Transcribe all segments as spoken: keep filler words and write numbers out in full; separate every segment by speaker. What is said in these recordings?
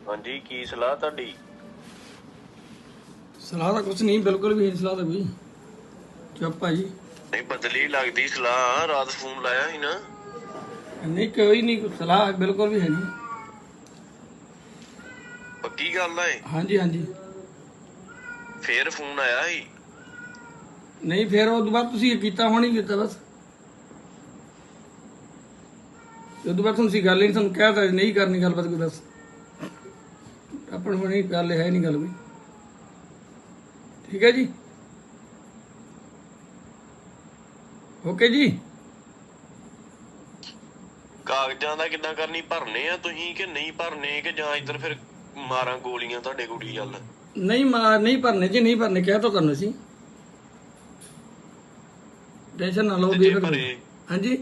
Speaker 1: ਹਾਂਜੀ ਕੀ ਸਲਾਹ ਤੁਹਾਡੀ?
Speaker 2: ਸਲਾਹ ਤਾਂ ਕੁਛ ਨਹੀਂ, ਬਿਲਕੁਲ ਵੀ ਨਹੀਂ ਸਲਾਹ ਤਾਂ ਕੋਈ। ਚੁੱਪ ਆ ਜੀ।
Speaker 1: ਨਹੀਂ ਬਦਲੀ ਲੱਗਦੀ ਸਲਾਹ, ਰਾਤ ਫੋਨ ਲਾਇਆ ਸੀ ਨਾ।
Speaker 2: ਨਹੀਂ ਕੋਈ ਨਹੀਂ, ਸਲਾਹ ਬਿਲਕੁਲ ਵੀ ਹੈ ਨਹੀਂ।
Speaker 1: ਪੱਕੀ ਗੱਲ ਆ ਇਹ?
Speaker 2: ਹਾਂਜੀ ਹਾਂਜੀ।
Speaker 1: ਫੇਰ ਫੋਨ ਆਇਆ ਸੀ?
Speaker 2: ਨਹੀਂ ਫਿਰ ਉਹ ਤੋਂ ਬਾਅਦ ਤੁਸੀਂ ਕੀਤਾ ਹੁਣ ਹੀ ਕੀਤਾ ਬਸ। ਉਹ ਤੋਂ ਬਾਅਦ ਤੁਸੀਂ ਗੱਲ ਹੀ ਨਹੀਂ, ਤੁਹਾਨੂੰ ਕਹਿਤਾ ਨਹੀਂ ਕਰਨੀ ਗੱਲਬਾਤ ਕੋਈ ਬਸ। ਆਪਣ ਬਣੀ ਗੱਲ ਹੈ ਨਹੀਂ ਗੱਲ ਕੋਈ। ਠੀਕ ਹੈ ਜੀ, ਓਕੇ ਜੀ।
Speaker 1: ਕਾਗਜ਼ਾਂ ਦਾ ਕਿੱਦਾਂ ਕਰਨੀ, ਭਰਨੇ ਆ ਤੁਸੀਂ ਕਿ ਨਹੀਂ ਭਰਨੇ, ਕਿ ਜਾਂ ਇੱਧਰ ਫਿਰ ਮਾਰਾਂ ਗੋਲੀਆਂ ਤੁਹਾਡੇ ਕੁੜੀ ਵੱਲ?
Speaker 2: ਨਹੀਂ ਮਾਰ ਨਹੀਂ ਭਰਨੇ ਜੀ, ਨਹੀਂ ਭਰਨੇ, ਕਹਿ ਤਾਂ ਤੁਹਾਨੂੰ ਸੀ। ਟੈਨਸ਼ਨ ਨਾ ਲਓ
Speaker 1: ਤੇ
Speaker 2: ਵੀ
Speaker 1: ਜੇ
Speaker 2: ਫਿਰ।
Speaker 1: ਭਰੇ
Speaker 2: ਹਾਂਜੀ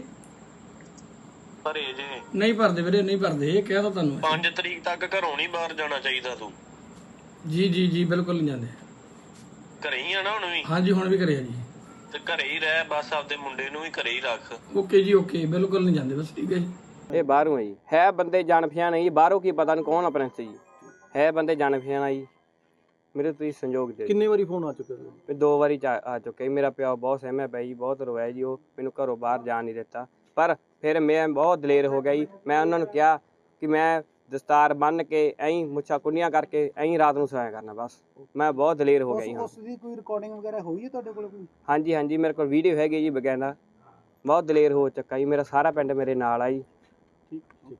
Speaker 1: ਭਰੇ ਜੇ
Speaker 2: ਨਹੀਂ ਭਰਦੇ ਵੀਰੇ, ਨਹੀਂ ਭਰਦੇ, ਇਹ ਕਹਿ ਤਾਂ ਤੁਹਾਨੂੰ।
Speaker 1: ਪੰਜ ਤਰੀਕ ਤੱਕ ਘਰੋਂ ਨਹੀਂ ਬਾਹਰ ਜਾਣਾ ਚਾਹੀਦਾ ਤੂੰ।
Speaker 2: ਜੀ ਜੀ ਜੀ ਬਿਲਕੁਲ ਨਹੀਂ ਜਾਂਦੇ।
Speaker 1: ਘਰੇ ਹੀ ਆ ਨਾ ਹੁਣ ਵੀ?
Speaker 2: ਹਾਂਜੀ ਹੁਣ ਵੀ ਕਰਿਆ ਜੀ।
Speaker 1: ਤੇ ਘਰੇ ਹੀ ਰਹਿ ਬਸ, ਆਪਦੇ ਮੁੰਡੇ ਨੂੰ ਵੀ ਘਰੇ ਹੀ ਰੱਖ।
Speaker 2: ਓਕੇ ਜੀ ਓਕੇ, ਬਿਲਕੁਲ ਨਹੀਂ ਜਾਂਦੇ ਬਸ। ਠੀਕ ਹੈ ਜੀ।
Speaker 3: ਇਹ ਬਾਹਰੋਂ ਹੈ ਜੀ, ਹੈ ਬੰਦੇ ਜਾਣ ਪਛਾਣ ਜੀ, ਬਾਹਰੋਂ ਕੀ ਪਤਾ ਨਹੀਂ ਕੌਣ ਆ ਪ੍ਰਿੰਸ ਜੀ, ਹੈ ਬੰਦੇ ਜਾਣ ਪਛਾਣ ਆ ਜੀ। ਮੇਰੇ ਤੁਸੀਂ ਸੰਯੋਗ ਦੇ
Speaker 4: ਕਿੰਨੇ ਵਾਰੀ ਫੋਨ ਆ ਚੁੱਕੇ
Speaker 3: ਤੇ ਦੋ ਵਾਰੀ ਚ ਆ ਚੁੱਕੇ। ਮੇਰਾ ਪਿਓ ਬਹੁਤ ਸਹਿਮਿਆ ਪਿਆ ਜੀ, ਬਹੁਤ ਰੋਇਆ ਜੀ, ਉਹ ਮੈਨੂੰ ਘਰੋਂ ਬਾਹਰ ਜਾਣ ਨਹੀਂ ਦਿੱਤਾ। ਪਰ ਫਿਰ ਮੈਂ ਬਹੁਤ ਦਲੇਰ ਹੋ ਗਿਆ ਜੀ। ਮੈਂ ਉਹਨਾਂ ਨੂੰ ਕਿਹਾ ਕਿ ਮੈਂ ਦਸਤਾਰ ਬੰਨ੍ਹ ਕੇ ਐਂ ਮੁੱਛਾਂ ਕੁੰਡੀਆਂ ਕਰਕੇ ਐਂ ਰਾਤ ਨੂੰ ਸੋਇਆ ਕਰਨਾ ਬਸ। ਮੈਂ ਬਹੁਤ ਦਲੇਰ ਹੋ ਗਿਆ ਜੀ।
Speaker 4: ਉਸ ਦੀ ਕੋਈ ਰਿਕਾਰਡਿੰਗ ਵਗੈਰਾ ਹੋਈ ਹੈ ਤੁਹਾਡੇ ਕੋਲ ਕੋਈ?
Speaker 3: ਹਾਂਜੀ ਹਾਂਜੀ ਮੇਰੇ ਕੋਲ ਵੀਡੀਓ ਹੈਗੀ ਜੀ ਬਕਾਇਦਾ। ਬਹੁਤ ਦਲੇਰ ਹੋ ਚੁੱਕਾ ਜੀ, ਮੇਰਾ ਸਾਰਾ ਪਿੰਡ ਮੇਰੇ ਨਾਲ ਆ ਜੀ।
Speaker 4: ਠੀਕ ਠੀਕ।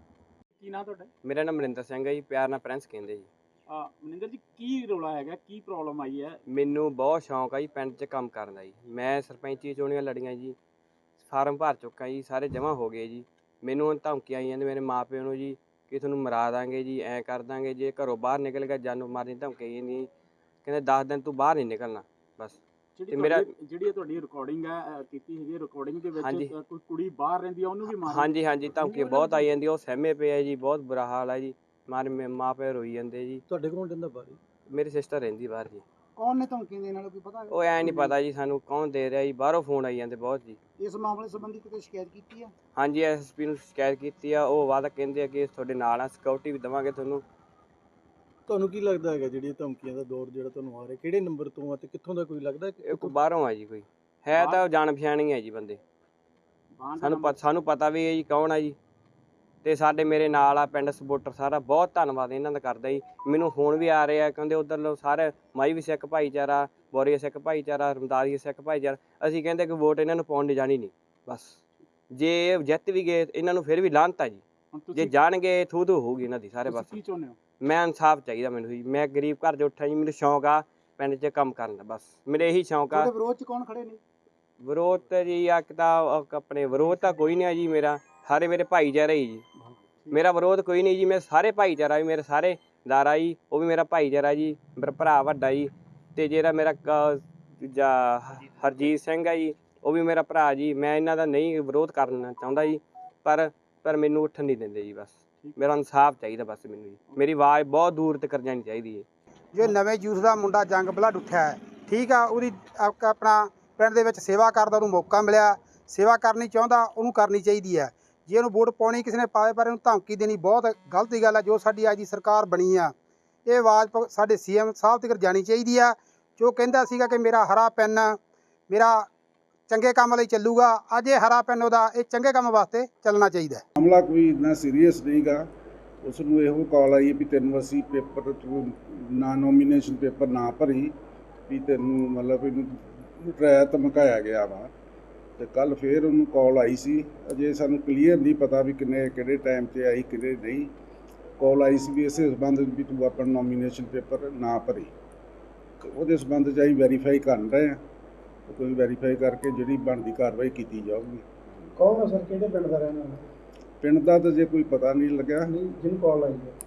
Speaker 4: ਕੀ ਨਾਂ ਤੁਹਾਡਾ?
Speaker 3: ਮੇਰਾ ਨਾਮ ਮਨਿੰਦਰ ਸਿੰਘ ਹੈ ਜੀ, ਪਿਆਰ ਨਾਲ ਪ੍ਰਿੰਸ ਕਹਿੰਦੇ ਜੀ।
Speaker 4: ਆ ਮਨਿੰਦਰ ਜੀ, ਕੀ ਰੌਲਾ ਹੈਗਾ, ਕੀ ਪ੍ਰੋਬਲਮ ਆਈ ਹੈ?
Speaker 3: ਮੈਨੂੰ ਬਹੁਤ ਸ਼ੌਂਕ ਆ ਜੀ ਪਿੰਡ 'ਚ ਕੰਮ ਕਰਨ ਦਾ ਜੀ। ਮੈਂ ਸਰਪੰਚੀ ਚੋਣੀਆਂ ਲੜੀਆਂ ਜੀ, ਫਾਰਮ ਭਰ ਚੁੱਕਾ ਜੀ, ਸਾਰੇ ਜਮ੍ਹਾਂ ਹੋ ਗਏ ਜੀ। ਮੈਨੂੰ ਹੁਣ ਧਮਕੀਆਂ ਆਈਆਂ ਨੇ ਮੇਰੇ ਮਾਂ ਪਿਓ ਨੂੰ ਜੀ ਕਿ ਤੁਹਾਨੂੰ ਮਰਾ ਦਾਂਗੇ ਜੀ, ਐਂ ਕਰ ਦਾਂਗੇ, ਜੇ ਘਰੋਂ ਬਾਹਰ ਨਿਕਲ ਗਿਆ ਜਾਨੋਂ ਮਾਰਨ ਦੀ ਧਮਕੀ ਨਹੀਂ। ਕਹਿੰਦੇ ਦਸ ਦਿਨ ਤੂੰ ਬਾਹਰ ਨਹੀਂ ਨਿਕਲਣਾ ਬਸ।
Speaker 4: ਜਿਹੜੀ ਮੇਰਾ ਜਿਹੜੀ ਤੁਹਾਡੀ ਰਿਕਾਰਡਿੰਗ ਹੈ ਕੀਤੀ ਹੈਗੀ, ਰਿਕਾਰਡਿੰਗ ਦੇ ਵਿੱਚ ਕੋਈ ਕੁੜੀ ਬਾਹਰ ਰਹਿੰਦੀ ਆ ਉਹਨੂੰ ਵੀ ਮਾਰ?
Speaker 3: ਹਾਂਜੀ ਹਾਂਜੀ ਧਮਕੀ ਬਹੁਤ ਆਈ ਜਾਂਦੀ, ਉਹ ਸਹਿਮੇ ਪਏ ਆ ਜੀ, ਬਹੁਤ ਬੁਰਾ ਹਾਲ ਹੈ ਜੀ। ਮਾਰੇ ਮਾਂ ਪਿਓ ਰੋਈ ਜਾਂਦੇ ਜੀ।
Speaker 4: ਤੁਹਾਡੇ ਕੋਲ ਰਹਿੰਦਾ ਬਾਹਰ?
Speaker 3: ਮੇਰੀ ਸਿਸਟਰ ਰਹਿੰਦੀ ਬਾਹਰ ਜੀ।
Speaker 4: ਕੌਣ ਨੇ ਧਮਕੀ ਦੇਣ ਵਾਲਾ ਕੋਈ ਪਤਾ?
Speaker 3: ਉਹ ਐ ਨਹੀਂ ਪਤਾ ਜੀ ਸਾਨੂੰ ਕੌਣ ਦੇ ਰਿਹਾ ਜੀ, ਬਾਹਰੋਂ ਫੋਨ ਆਈ ਜਾਂਦੇ ਬਹੁਤ ਜੀ।
Speaker 4: ਇਸ ਮਾਮਲੇ ਸੰਬੰਧੀ ਕਿਤੇ ਸ਼ਿਕਾਇਤ ਕੀਤੀ ਆ?
Speaker 3: ਹਾਂਜੀ ਐਸ ਐਸ ਪੀ ਨੂੰ ਸ਼ਿਕਾਇਤ ਕੀਤੀ ਆ। ਉਹ ਵਾਅਦਾ ਕਹਿੰਦੇ ਆ ਕਿ ਤੁਹਾਡੇ ਨਾਲ ਆ, ਸਿਕਿਉਰਿਟੀ ਵੀ ਦੇਵਾਂਗੇ ਤੁਹਾਨੂੰ।
Speaker 4: ਤੁਹਾਨੂੰ ਕੀ ਲੱਗਦਾ ਹੈਗਾ ਜਿਹੜੀਆਂ ਧਮਕੀਆਂ ਦਾ ਦੌਰ ਜਿਹੜਾ ਤੁਹਾਨੂੰ ਆ ਰਿਹਾ, ਕਿਹੜੇ ਨੰਬਰ ਤੋਂ ਆ ਤੇ ਕਿੱਥੋਂ ਦਾ ਕੋਈ ਲੱਗਦਾ?
Speaker 3: ਇਹ ਕੋਈ ਬਾਹਰੋਂ ਆ ਜੀ, ਕੋਈ ਹੈ ਤਾਂ ਜਾਣ ਪਛਾਣ ਹੀ ਹੈ ਜੀ ਬੰਦੇ। ਸਾਨੂੰ ਪਤਾ ਸਾਨੂੰ ਪਤਾ ਵੀ ਹੈ ਜੀ ਕੌਣ ਆ ਜੀ। ਤੇ ਸਾਡੇ ਮੇਰੇ ਨਾਲ ਆ ਪਿੰਡ ਸਪੋਰਟਰ ਸਾਰਾ, ਬਹੁਤ ਧੰਨਵਾਦ ਇਹਨਾਂ ਦਾ ਕਰਦਾ ਜੀ। ਮੈਨੂੰ ਫੋਨ ਵੀ ਆ ਰਹੇ ਆ, ਕਹਿੰਦੇ ਉੱਧਰ ਸਾਰੇ ਮਾਈ ਵੀ ਸਿੱਖ ਭਾਈਚਾਰਾ, ਬੋਰੀਆ ਸਿੱਖ ਭਾਈਚਾਰਾ, ਰਮਦਾਸੀਆ ਸਿੱਖ ਭਾਈਚਾਰਾ। ਅਸੀਂ ਕਹਿੰਦੇ ਕਿ ਵੋਟ ਇਹਨਾਂ ਨੂੰ ਪਾਉਣ ਨਹੀਂ ਜਾਣੀ ਨਹੀਂ ਬਸ। ਜੇ ਜਿੱਤ ਵੀ ਗਏ ਇਹਨਾਂ ਨੂੰ ਫਿਰ ਵੀ ਲਾਹਨਤ ਆ ਜੀ, ਜੇ ਜਾਣਗੇ ਥੂ ਥੂ ਹੋਊਗੀ ਇਹਨਾਂ ਦੀ ਸਾਰੇ ਪਾਸੇ। ਮੈਂ ਇਨਸਾਫ ਚਾਹੀਦਾ ਮੈਨੂੰ ਜੀ। ਮੈਂ ਗਰੀਬ ਘਰ 'ਚ ਉੱਠਿਆ ਜੀ, ਮੈਨੂੰ ਸ਼ੌਂਕ ਆ ਪਿੰਡ 'ਚ ਕੰਮ ਕਰਨ ਦਾ ਬਸ, ਮੇਰੇ ਇਹੀ ਸ਼ੌਂਕ ਆ।
Speaker 4: ਵਿਰੋਧ 'ਚ ਕੌਣ ਖੜੇ ਨੇ?
Speaker 3: ਵਿਰੋਧ ਤਾਂ ਜੀ ਇੱਕ ਤਾਂ ਆਪਣੇ ਵਿਰੋਧ ਤਾਂ ਕੋਈ ਨਹੀਂ ਆ ਜੀ ਮੇਰਾ, ਸਾਰੇ ਮੇਰੇ ਭਾਈਚਾਰਾ ਹੀ ਜੀ। ਮੇਰਾ ਵਿਰੋਧ ਕੋਈ ਨਹੀਂ ਜੀ, ਮੇਰੇ ਸਾਰੇ ਭਾਈਚਾਰਾ ਵੀ, ਮੇਰੇ ਸਾਰੇ ਦਾਰਾ ਜੀ, ਉਹ ਵੀ ਮੇਰਾ ਭਾਈਚਾਰਾ ਜੀ, ਮੇਰਾ ਭਰਾ ਵੱਡਾ ਜੀ। ਅਤੇ ਜਿਹੜਾ ਮੇਰਾ ਦੂਜਾ ਹਰਜੀਤ ਸਿੰਘ ਹੈ ਜੀ, ਉਹ ਵੀ ਮੇਰਾ ਭਰਾ ਜੀ। ਮੈਂ ਇਹਨਾਂ ਦਾ ਨਹੀਂ ਵਿਰੋਧ ਕਰਨਾ ਚਾਹੁੰਦਾ ਜੀ, ਪਰ ਪਰ ਮੈਨੂੰ ਉੱਠਣ ਨਹੀਂ ਦਿੰਦੇ ਜੀ ਬਸ। ਮੇਰਾ ਇਨਸਾਫ ਚਾਹੀਦਾ ਬਸ ਮੈਨੂੰ ਜੀ। ਮੇਰੀ ਆਵਾਜ਼ ਬਹੁਤ ਦੂਰ ਤੱਕ ਜਾਣੀ ਚਾਹੀਦੀ ਹੈ।
Speaker 5: ਜੋ ਨਵੇਂ ਯੂਥ ਦਾ ਮੁੰਡਾ ਜੰਗ ਬਲੱਡ ਉੱਠਿਆ ਹੈ, ਠੀਕ ਆ, ਉਹਦੀ ਆਪਣਾ ਪਿੰਡ ਦੇ ਵਿੱਚ ਸੇਵਾ ਕਰਦਾ ਉਹਨੂੰ ਮੌਕਾ ਮਿਲਿਆ, ਸੇਵਾ ਕਰਨੀ ਚਾਹੁੰਦਾ ਉਹਨੂੰ ਕਰਨੀ ਚਾਹੀਦੀ ਹੈ। ਜੇ ਉਹਨੂੰ ਵੋਟ ਪਾਉਣੀ ਕਿਸੇ ਨੇ ਪਾਵੇ, ਪਰ ਇਹਨੂੰ ਧਮਕੀ ਦੇਣੀ ਬਹੁਤ ਗਲਤ ਗੱਲ ਹੈ। ਜੋ ਸਾਡੀ ਅੱਜ ਦੀ ਸਰਕਾਰ ਬਣੀ ਆ, ਇਹ ਆਵਾਜ਼ ਸਾਡੇ ਸੀ ਐਮ ਸਾਹਿਬ ਤੱਕ ਜਾਣੀ ਚਾਹੀਦੀ ਆ। ਜੋ ਕਹਿੰਦਾ ਸੀਗਾ ਕਿ ਮੇਰਾ ਹਰਾ ਪੈਨ ਮੇਰਾ ਚੰਗੇ ਕੰਮ ਲਈ ਚੱਲੂਗਾ, ਅੱਜ ਇਹ ਹਰਾ ਪੈਨ ਉਹਦਾ ਇਹ ਚੰਗੇ ਕੰਮ ਵਾਸਤੇ ਚੱਲਣਾ ਚਾਹੀਦਾ।
Speaker 6: ਮਾਮਲਾ ਕੋਈ ਇੰਨਾ ਸੀਰੀਅਸ ਨਹੀਂਗਾ। ਉਸ ਨੂੰ ਇਹੋ ਕਾਲ ਆਈ ਵੀ ਤੈਨੂੰ ਅਸੀਂ ਪੇਪਰ ਨਾ ਨੋਮੀਨੇਸ਼ਨ ਪੇਪਰ ਨਾ ਭਰੀ ਵੀ ਤੈਨੂੰ ਮਤਲਬ ਇਹਨੂੰ ਡਰਾਇਆ ਧਮਕਾਇਆ ਗਿਆ ਵਾ। ਅਤੇ ਕੱਲ੍ਹ ਫਿਰ ਉਹਨੂੰ ਕਾਲ ਆਈ ਸੀ। ਅਜੇ ਸਾਨੂੰ ਕਲੀਅਰ ਨਹੀਂ ਪਤਾ ਵੀ ਕਿੰਨੇ ਕਿਹੜੇ ਟਾਈਮ 'ਤੇ ਆਈ ਕਿਹੜੇ ਨਹੀਂ। ਕਾਲ ਆਈ ਸੀ ਵੀ ਇਸੇ ਸੰਬੰਧ ਵੀ ਤੂੰ ਆਪਣਾ ਨੋਮੀਨੇਸ਼ਨ ਪੇਪਰ ਨਾ ਭਰੀ। ਉਹਦੇ ਸੰਬੰਧ 'ਚ ਅਸੀਂ ਵੈਰੀਫਾਈ ਕਰ ਰਹੇ ਹਾਂ। ਕੋਈ ਵੈਰੀਫਾਈ ਕਰਕੇ ਜਿਹੜੀ ਬਣਦੀ ਕਾਰਵਾਈ ਕੀਤੀ ਜਾਊਗੀ।
Speaker 4: ਕੌਣ ਹੈ ਸਰ, ਕਿਹੜੇ ਪਿੰਡ ਦਾ ਰਹਿਣ ਵਾਲਾ?
Speaker 6: ਪਿੰਡ ਦਾ ਤਾਂ ਜੇ ਕੋਈ ਪਤਾ ਨਹੀਂ ਲੱਗਿਆ।
Speaker 4: ਜਿਹਨੂੰ ਕਾਲ ਆਈ ਹੈ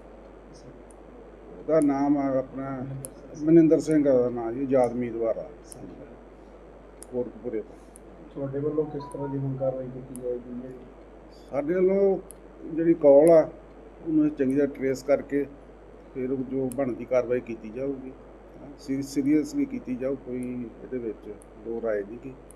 Speaker 6: ਉਹਦਾ ਨਾਮ ਆ ਆਪਣਾ ਮਨਿੰਦਰ ਸਿੰਘ ਦਾ ਨਾਂ ਜੀ, ਆਜ਼ਾਦ ਉਮੀਦਵਾਰ ਆ ਕੋਟਕਪੂਰੇ ਤੋਂ।
Speaker 4: ਤੁਹਾਡੇ ਵੱਲੋਂ ਕਿਸ ਤਰ੍ਹਾਂ ਦੀ ਹੁਣ ਕਾਰਵਾਈ ਕੀਤੀ ਜਾਏਗੀ?
Speaker 6: ਸਾਡੇ ਵੱਲੋਂ ਜਿਹੜੀ ਕਾਲ ਆ ਉਹਨੂੰ ਚੰਗੀ ਤਰ੍ਹਾਂ ਟਰੇਸ ਕਰਕੇ ਫਿਰ ਜੋ ਬਣਦੀ ਕਾਰਵਾਈ ਕੀਤੀ ਜਾਊਗੀ। ਸੀਰੀਅਸਲੀ ਕੀਤੀ ਜਾਊ, ਕੋਈ ਇਹਦੇ ਵਿੱਚ ਦੋ ਰਾਏ ਨਹੀਂ ਗੀ।